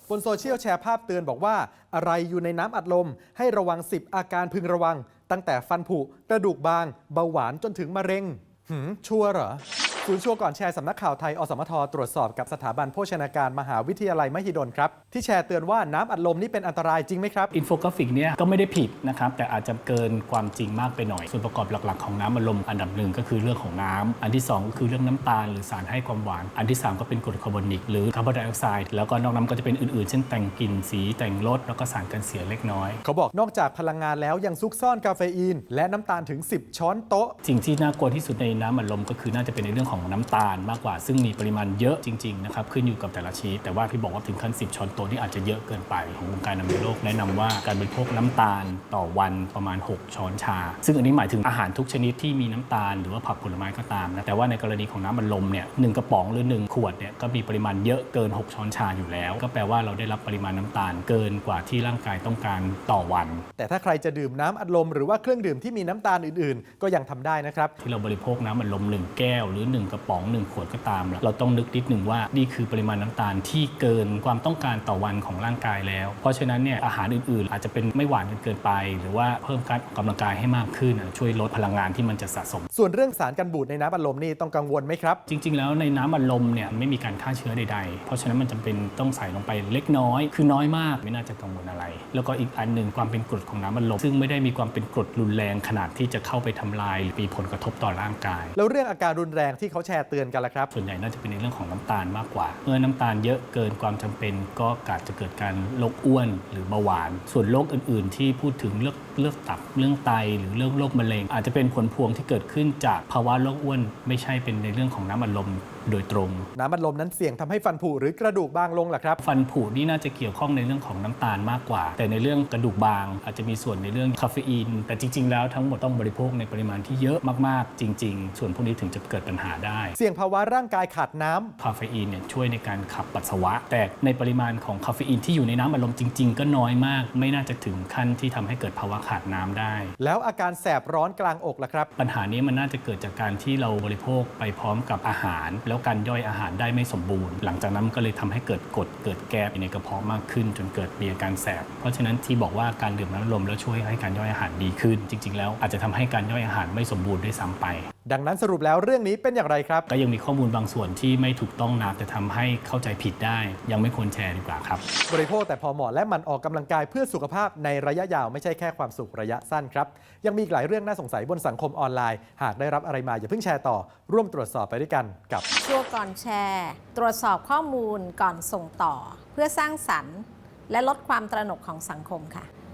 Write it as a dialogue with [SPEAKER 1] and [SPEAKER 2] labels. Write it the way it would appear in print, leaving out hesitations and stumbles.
[SPEAKER 1] บนโซเชียลแชร์ภาพเตือนบอกว่าอะไรอยู่ในน้ำอัดลมให้ระวัง10อาการพึงระวังตั้งแต่ฟันผุกระดูกบางเบาหวานจนถึงมะเร็งชัวร์เหรอศูนย์ชัวร์ก่อนแชร์สำนักข่าวไทยอสมทตรวจสอบกับสถาบันโภชนาการมหาวิทยาลัยมหิดลครับที่แชร์เตือนว่าน้ำอัดลมนี่เป็นอันตรายจริงไหมครับ
[SPEAKER 2] อินโฟกราฟิกเนี่ยก็ไม่ได้ผิดนะครับแต่อาจจะเกินความจริงมากไปหน่อยส่วนประกอบหลักๆของน้ำอัดลมอันดับหนึ่งก็คือเรื่องของน้ำอันที่2ก็คือเรื่องน้ำตาลหรือสารให้ความหวานอันที่3ก็เป็นกรดคาร์บอนิกหรือคาร์บอนไดออกไซด์แล้วก็นอกนั้นก็จะเป็นอื่นๆเช่นแต่งกลิ่นสีแต่งรสแล้วก็สารกันเสียเล็กน้อย
[SPEAKER 1] เขาบอกนอกจากพลังงานแล้วยังซุกซ่อนกาเฟอีนและน้ำตาลถึง10ช้อนโต๊ะ
[SPEAKER 2] สิ่งที่น่ากลัวที่สุดในน้ำอัดลมก็คือน่าจะเป็นในเรื่องของน้ำตาลมากกว่าซึ่งมีปริมาณเยอะจริงๆนะครับขึ้นอยู่กับแต่ละชนิดแต่ว่าที่บอกว่าถึงขั้น10ช้อนโต๊ะนี่อาจจะเยอะเกินไปขององค์การอนามัยโลกแนะนำว่าการบริโภคน้ำตาลต่อวันประมาณ6ช้อนชาซึ่งอันนี้หมายถึงอาหารทุกชนิดที่มีน้ำตาลหรือว่าผักผลไม้ก็ตามนะแต่ว่าในกรณีของน้ำอัดลมเนี่ย1กระป๋องหรือ1ขวดเนี่ยก็มีปริมาณเยอะเกิน6ช้อนชาอยู่แล้วก็แปลว่าเราได้รับปริมาณน้ำตาลเกินกว่าที่ร่างกายต้องการต่อวัน
[SPEAKER 1] แต่ถ้าใครจะดื่มน้ำอัดลมหรือว่าเครื่องดื่มที่มีน้ำตาลอื่นๆก็ยังทำได้นะครับ
[SPEAKER 2] ที่เราบริโภคน้ำอัดลม1แก้วหรือ1กระป๋อง1ขวดก็ตามเราต้องนึกนิดหนึ่งว่านี่คือปริมาณน้ำตาลที่เกินความต้องการต่อวันของร่างกายแล้วเพราะฉะนั้นเนี่ยอาหารอื่นๆอาจจะเป็นไม่หวานเกินไปหรือว่าเพิ่มการออกกำลังกายให้มากขึ้นช่วยลดพลังงานที่มันจะสะสม
[SPEAKER 1] ส่วนเรื่องสารกันบูดในน้ำอัดลมนี่ต้องกังวลไหมครับ
[SPEAKER 2] จริงๆแล้วในน้ำอัดลมเนี่ยไม่มีการฆ่าเชื้อใดๆเพราะฉะนั้นมันจำเป็นต้องใส่ลงไปเล็กน้อยคือน้อยมากไม่น่าจะกังวลอะไรแล้วก็อีกอันหนึ่งความเป็นกรดของน้ำอัดลมซึ่งไม่ได้มีความเป็นกรดรุนแรงขนาดที่จะเข้าไปทำลายหรือมีผลกระทบต่อร่างกาย
[SPEAKER 1] แล้วเรื่องอาการรุนแรงที่เขาแชร์เตือนกันล่ะครับ
[SPEAKER 2] ส่วนใหญ่น่าจะเป็นในเรื่องของน้ำตาลมากกว่าเมื่อน้ำตาลเยอะเกินความจำเป็นก็อาจจะเกิดการโรคอ้วนหรือเบาหวานส่วนโรคอื่นๆที่พูดถึงเรื่องตับเรื่องไตหรือเรื่องโรคมะเร็งอาจจะเป็นผลพวงที่เกิดขึ้นจากภาวะโรคอ้วนไม่ใช่เป็นในเรื่องของน้ำอัดลมโดยตรง
[SPEAKER 1] น้ำอัดลมนั้นเสี่ยงทำให้ฟันผุหรือกระดูกบางลงล่ะครับ
[SPEAKER 2] ฟันผุนี่น่าจะเกี่ยวข้องในเรื่องของน้ำตาลมากกว่าแต่ในเรื่องกระดูกบางอาจจะมีส่วนในเรื่องคาเฟอีนแต่จริงๆแล้วทั้งหมดต้องบริโภคในปริมาณที่เยอะมากๆจริงๆส่วนพวกนี้ถึงจะเกิดปัญหาได้
[SPEAKER 1] เสี่ยงภาวะร่างกายขาดน้ำ
[SPEAKER 2] คาเฟอีนเนี่ยช่วยในการขับปัสสาวะแต่ในปริมาณของคาเฟอีนที่อยู่ในน้ำอัดลมจริงๆก็น้อยมากไม่น่าจะถึงขั้นที่ทำให้เกิดภาวะขาดน้ำได้
[SPEAKER 1] แล้วอาการแสบร้อนกลางอกล่ะครับ
[SPEAKER 2] ปัญหานี้มันน่าจะเกิดจากการที่เราบริโภคไปพร้อมกับอาหารแล้วการย่อยอาหารได้ไม่สมบูรณ์หลังจากนั้นก็เลยทำให้เกิดกรดเกิดแก๊สในกระเพาะมากขึ้นจนเกิดมีอาการแสบเพราะฉะนั้นที่บอกว่าการดื่มน้ำอัดลมแล้วช่วยให้การย่อยอาหารดีขึ้นจริงๆแล้วอาจจะทำให้การย่อยอาหารไม่สมบูรณ์ด้วยซ้ำไป
[SPEAKER 1] ดังนั้นสรุปแล้วเรื่องนี้เป็นอย่างไรครับ
[SPEAKER 2] ก็ยังมีข้อมูลบางส่วนที่ไม่ถูกต้องนะแต่ทำให้เข้าใจผิดได้ยังไม่ควรแชร์ดีกว่าครับ
[SPEAKER 1] บริโภคแต่พอเหมาะและมันออกกำลังกายเพื่อสุขภาพในระยะยาวไม่ใช่แค่ความสุขระยะสั้นครับยังมีอีกหลายเรื่องน่าสงสัยบนสังคมออนไลน์หากได้รับอะไรมาอย่าเพิ่งแชร์ต่อร่วมตรวจสอบไปด้วยกันกับ
[SPEAKER 3] ชัวร์ก่อนแชร์ตรวจสอบข้อมูลก่อนส่งต่อเพื่อสร้างสรรค์และลดความตระหนกของสังคมค่ะ